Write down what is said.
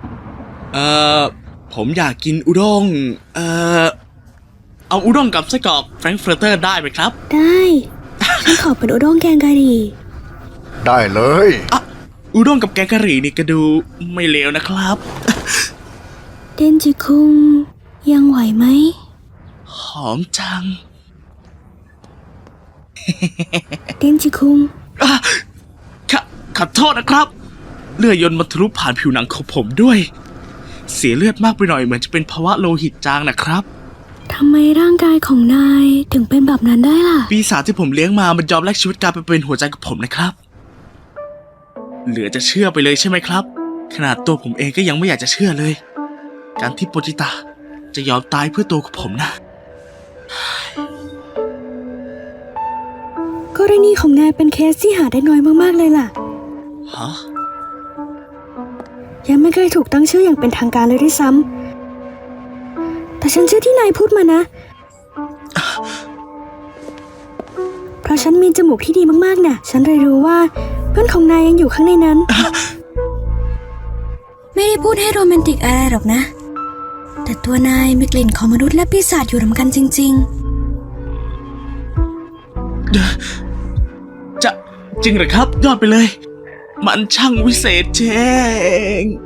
เอ่อผมอยากกินอุด้งเอาอุด้งกับไส้กรอกแฟรงก์เฟิร์เตอร์ได้ไหมครับได้ฉันขอเป็นอุด้งแกงกะหรี่ได้เลยอุด้งกับแกงกะหรี่นี่ก็ดูไม่เลวนะครับเดนจิคุงยังไหวไหมหอมจังเดนจิคุงขอโทษนะครับเลือดยนต์มาทะลุผ่านผิวหนังของผมด้วยเสียเลือดมากไปหน่อยเหมือนจะเป็นภาวะโลหิตจางนะครับทำไมร่างกายของนายถึงเป็นแบบนั้นได้ล่ะปีศาจที่ผมเลี้ยงมามันยอมแลกชีวิตการไปเป็นหัวใจกับผมนะครับเหลือจะเชื่อไปเลยใช่ไหมครับขนาดตัวผมเองก็ยังไม่อยากจะเชื่อเลยการที่โปจิตะจะยอมตายเพื่อตัวของผมนะกรณีของนายเป็นเคสที่หาได้น้อยมากๆเลยล่ะฮะยังไม่เคยถูกตั้งชื่ออย่างเป็นทางการเลยด้วยซ้ำแต่ฉันเชื่อที่นายพูดมานะเพราะฉันมีจมูกที่ดีมากๆน่ะฉันเลยรู้ว่าเพื่อนของนายยังอยู่ข้างในนั้นไม่ได้พูดให้โรแมนติกอะไรหรอกนะแต่ตัวนายมีกลิ่นของมนุษย์และปีศาจอยู่รวมกันจริงจะจริงเหรอครับยอดไปเลยมันช่างวิเศษเจง